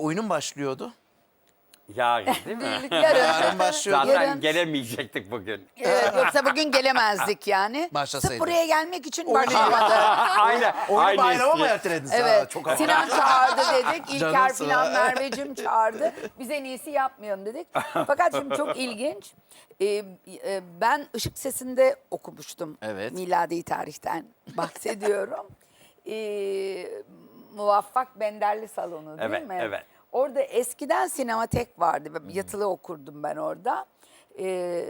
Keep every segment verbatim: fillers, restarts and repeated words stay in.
oyunun başlıyordu. Yarın değil mi? Yarın. Yarın başlıyor. Zaten Yarın. gelemeyecektik bugün. Evet, yoksa bugün gelemezdik yani. Başlasaydı. Sırf buraya gelmek için Oyunu- başlamadı. Aynen. Oyunu aynı bayrama mı espri. ertelediniz? Ha, Evet. çok havalı. Sinan çağırdı dedik. İlker Canımsın filan ha. Merveciğim çağırdı. Biz en iyisi yapmayalım dedik. Fakat şimdi çok ilginç. Ee, e, ben Işık Sesi'nde okumuştum. Evet. Miladi tarihten bahsediyorum. Ee, Muvaffak Benderli Salonu değil Evet, mi? evet. Orada eskiden sinematek vardı. Yatılı okurdum ben orada. Ee,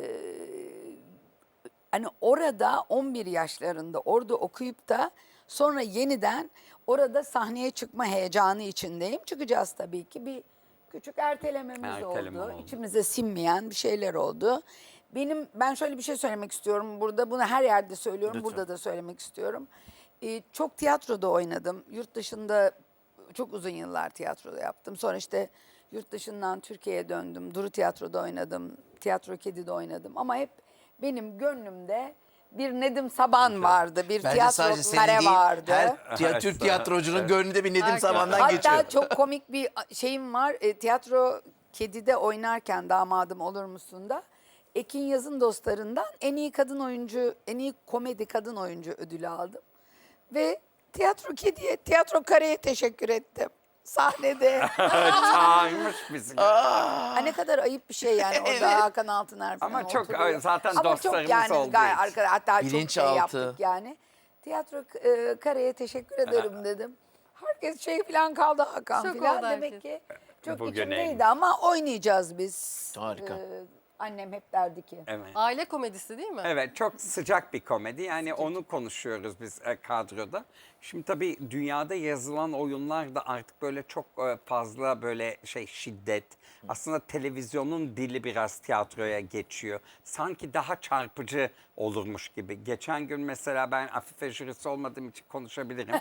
Hani orada on bir yaşlarında orada okuyup da sonra yeniden orada sahneye çıkma heyecanı içindeyim. Çıkacağız tabii ki. Bir küçük ertelememiz Erteleme oldu. oldu. İçimize sinmeyen bir şeyler oldu. Benim ben şöyle bir şey söylemek istiyorum burada. Bunu her yerde söylüyorum. Lütfen. Burada da söylemek istiyorum. Ee, çok tiyatroda oynadım. Yurt dışında çok uzun yıllar tiyatroda yaptım. Sonra işte yurt dışından Türkiye'ye döndüm. Duru Tiyatro'da oynadım. Tiyatro Kedi'de oynadım. Ama hep benim gönlümde bir Nedim Saban vardı. Bir Bence tiyatro sadece senin kare değil, vardı. her tiya- Türk tiyatrocunun gönlünde bir Nedim Herkes. Saban'dan Hatta geçiyor. çok komik bir şeyim var. E, tiyatro Kedi'de oynarken Damadım Olur Musun da Ekin Yaz'ın dostlarından en iyi kadın oyuncu, en iyi komedi kadın oyuncu ödülü aldım. Ve Tiyatro Kedi'ye, Tiyatro Kare'ye teşekkür ettim. Sahnede. Çağırmış bizi. Ha, ne kadar ayıp bir şey yani orada Hakan Altıner falan Ama çok, oturuyor. zaten Ama dostlarımız çok yani olduğu gayet için. arkada hatta çok şey Bilinçaltı. yaptık yani. Tiyatro e, Kare'ye teşekkür ederim dedim. Herkes şey falan kaldı Hakan Şok falan oldu demek herkes. ki çok Bugün içimdeydi neymiş? ama oynayacağız biz. Harika. Ee, annem hep derdi ki. Evet. Aile komedisi değil mi? Evet, çok sıcak bir komedi. Yani onu konuşuyoruz biz e, kadroda. Şimdi tabii dünyada yazılan oyunlar da artık böyle çok e, fazla böyle şey şiddet. Aslında televizyonun dili biraz tiyatroya geçiyor. Sanki daha çarpıcı olurmuş gibi. Geçen gün mesela ben Afife jürisi olmadığım için konuşabilirim.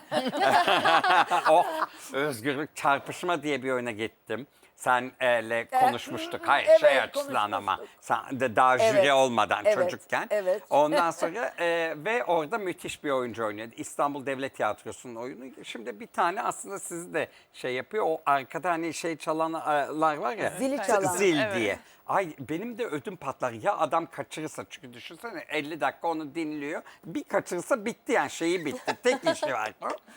Oh, özgürlük çarpışma diye bir oyuna gittim. Senle konuşmuştuk. Hayır Evet, şey açısından ama. konuşmuştuk. Sen de daha jüri Evet, olmadan evet, çocukken. evet. Ondan sonra e, ve orada müthiş bir oyuncu oynuyordu. İstanbul Devlet Tiyatrosu'nun oyunu. Şimdi bir tane aslında sizi de şey yapıyor. O arkada hani şey çalanlar var ya. Zili çalan. Zil Evet. diye. Ay benim de ödüm patlar. Ya adam kaçırırsa çünkü düşünsene elli dakika onu dinliyor. Bir kaçırırsa bitti yani şeyi bitti. Tek işi var.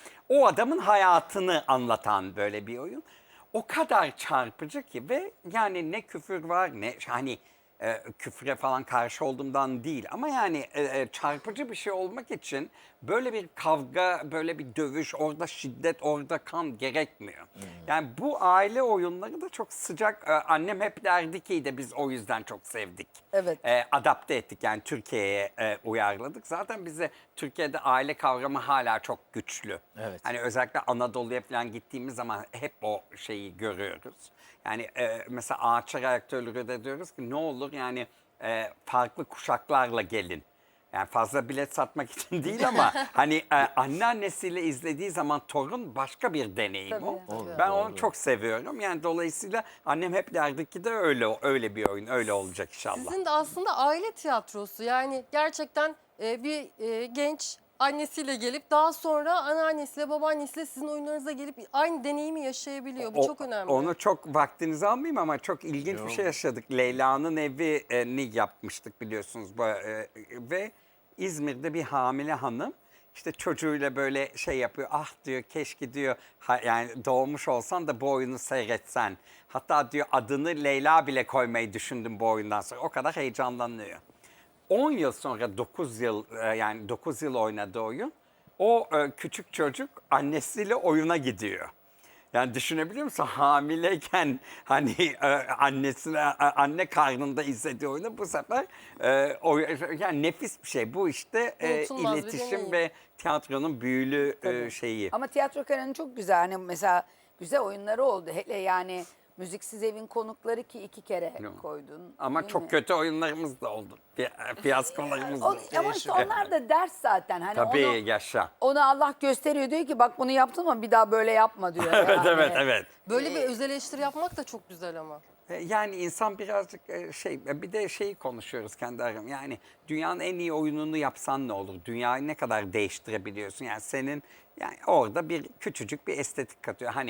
O adamın hayatını anlatan böyle bir oyun. O kadar çarpıcı ki ve yani ne küfür var ne hani e, küfre falan karşı olduğumdan değil ama yani e, e, çarpıcı bir şey olmak için böyle bir kavga, böyle bir dövüş, orada şiddet, orada kan gerekmiyor. Yani bu aile oyunları da çok sıcak. E, annem hep derdi ki de biz o yüzden çok sevdik. Evet. E, adapte ettik yani Türkiye'ye e, uyarladık. Zaten bize Türkiye'de aile kavramı hala çok güçlü. Evet. Hani özellikle Anadolu'ya falan gittiğimiz zaman hep o şeyi görüyoruz. Yani e, mesela Ağaçlar Ayakta Ölür de diyoruz ki ne olur yani e, farklı kuşaklarla gelin. Yani fazla bilet satmak için değil ama hani e, anneannesiyle izlediği zaman torun başka bir deneyim Tabii. o. Olur, Ben onu çok seviyorum. Yani dolayısıyla annem hep derdi ki de öyle öyle bir oyun öyle olacak inşallah. Sizin de aslında aile tiyatrosu yani gerçekten e, bir e, genç annesiyle gelip daha sonra anneannesiyle babaannesiyle sizin oyunlarınıza gelip aynı deneyimi yaşayabiliyor. Bu O- çok önemli. Onu çok vaktinizi almayayım ama çok ilginç bir şey yaşadık. Leyla'nın evini yapmıştık biliyorsunuz. Bu, e, ve İzmir'de bir hamile hanım işte çocuğuyla böyle şey yapıyor. Ah diyor keşke diyor ha, yani doğmuş olsan da bu oyunu seyretsen. Hatta diyor adını Leyla bile koymayı düşündüm bu oyundan sonra. O kadar heyecanlanıyor. on yıl sonra dokuz yıl e, yani dokuz yıl oynadığı oyun o e, küçük çocuk annesiyle oyuna gidiyor. Yani düşünebiliyor musun? Hamileyken hani e, annesine e, anne karnında izlediği oyunu bu sefer e, o, yani nefis bir şey. Bu işte e, Unutulmaz bir iletişim deneyim. ve tiyatronun büyülü e, Tabii. şeyi. Ama Tiyatro Kare'nin çok güzel hani mesela güzel oyunları oldu. Hele yani Müziksiz Evin Konukları ki iki kere Yok. koydun. Ama değil çok mi? kötü oyunlarımız da oldu. Fi- Fiyaskolarımız da O- oldu. ama işte onlar da ders zaten. Hani Tabii onu, yaşa. onu Allah gösteriyor diyor ki bak bunu yaptın ama bir daha böyle yapma diyor. Evet yani. evet evet. Böyle bir öz eleştiri yapmak da çok güzel ama. E, Yani insan birazcık e, şey e, bir de şeyi konuşuyoruz kendi aramızda. Yani dünyanın en iyi oyununu yapsan ne olur? Dünyayı ne kadar değiştirebiliyorsun? Yani senin yani orada bir küçücük bir estetik katıyor. Hani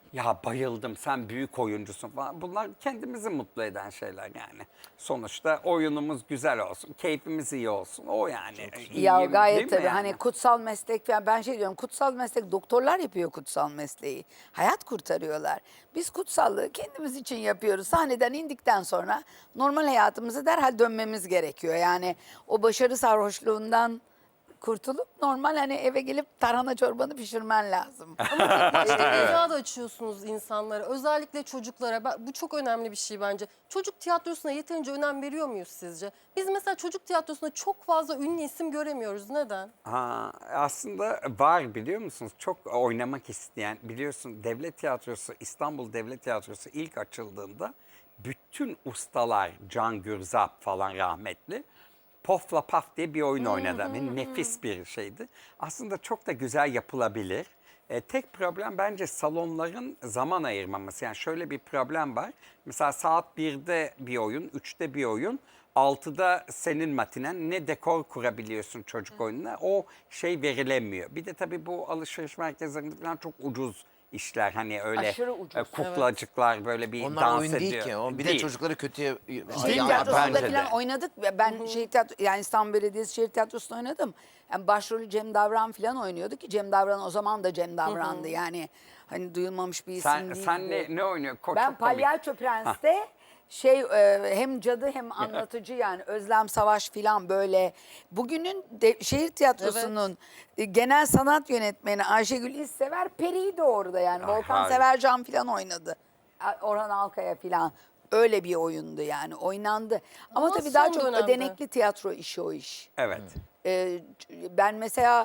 Ya bayıldım, sen büyük oyuncusun falan. Bunlar kendimizi mutlu eden şeyler yani. Sonuçta oyunumuz güzel olsun, keyfimiz iyi olsun. O yani. İyi, Ya değil gayet mi tabii yani? hani kutsal meslek falan, ben şey diyorum, kutsal meslek doktorlar yapıyor kutsal mesleği. Hayat kurtarıyorlar. Biz kutsallığı kendimiz için yapıyoruz. Sahneden indikten sonra normal hayatımıza derhal dönmemiz gerekiyor. Yani o başarı sarhoşluğundan kurtulup normal hani eve gelip tarhana çorbanı pişirmen lazım. İşte dünya da açıyorsunuz insanlara. Özellikle çocuklara. Ben- Bu çok önemli bir şey bence. Çocuk tiyatrosuna yeterince önem veriyor muyuz sizce? Biz mesela çocuk tiyatrosunda çok fazla ünlü isim göremiyoruz. Neden? Ha, aslında var biliyor musunuz? Çok oynamak isteyen, biliyorsun Devlet Tiyatrosu, İstanbul Devlet Tiyatrosu ilk açıldığında bütün ustalar, Can Gürzap falan rahmetli, Pofla Paf diye bir oyun oynadı ve nefis bir şeydi. Aslında çok da güzel yapılabilir. E, tek problem bence salonların zaman ayırmaması. Yani şöyle bir problem var. Mesela saat birde bir oyun, üçte bir oyun. altıda senin matinen, ne dekor kurabiliyorsun çocuk oyununa, o şey verilemiyor. Bir de tabii bu alışveriş merkezlerinde falan çok ucuz işler, hani öyle Aşırı ucuz, e, kuklacıklar böyle bir Onlar dans oyun ediyor. değil ki. O bir de Değil. çocukları kötüye... Şehir Ya, tiyatrosunda bence de. falan oynadık. ve Ben şehir tiyatro, yani İstanbul Belediyesi Şehir Tiyatrosu'nda oynadım. Yani başrolü Cem Davran falan oynuyordu ki Cem Davran o zaman da Cem Davran'dı. Yani hani duyulmamış bir isim Sen, değildi. sen ne, ne oynuyorsun? Ko- Ben çok komik. Palyaço Prens'te şey e, hem cadı hem anlatıcı, yani Özlem Savaş filan böyle. Bugünün de, şehir tiyatrosunun e, genel sanat yönetmeni Ayşegül İzsever Peri'ydi orada yani. Ah, Volkan harika. Severcan filan oynadı. A- Orhan Alkaya filan. Öyle bir oyundu yani, oynandı. Ama, Ama tabii daha son çok dönemde. ödenekli tiyatro işi o iş. Evet. Ee, ben mesela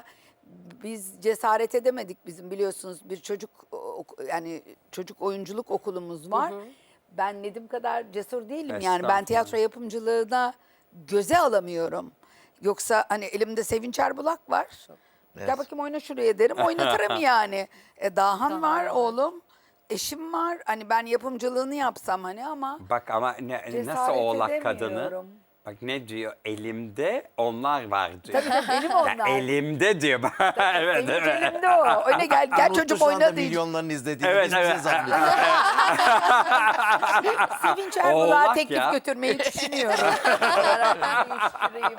biz cesaret edemedik, bizim biliyorsunuz bir çocuk ok- yani çocuk oyunculuk okulumuz var. Ben Nedim kadar cesur değilim yani, ben Estağfurullah. tiyatro yapımcılığına göze alamıyorum. Yoksa hani elimde Sevinç Erbulak var. Gel Evet. bakayım oyna şuraya derim, oynatırım yani. E, Dahan var oğlum. Eşim var. Hani ben yapımcılığını yapsam hani, ama Bak ama ne, nasıl cesaret oğlak kadını? edemiyorum. Bak ne diyor? Elimde onlar var diyor. Tabii tabii, benim Ya onlar. elimde diyor. evet, Sevinç evet. elimde o. Oyna gel, gel Unuttu çocuk şu anda oyna diyeceğim. milyonların izlediğini. Evet, Biz bize evet. zannediyoruz. Sevinç Erbulak'a Oğlak teklif ya. götürmeyi düşünüyorum. Beraber değiştireyim.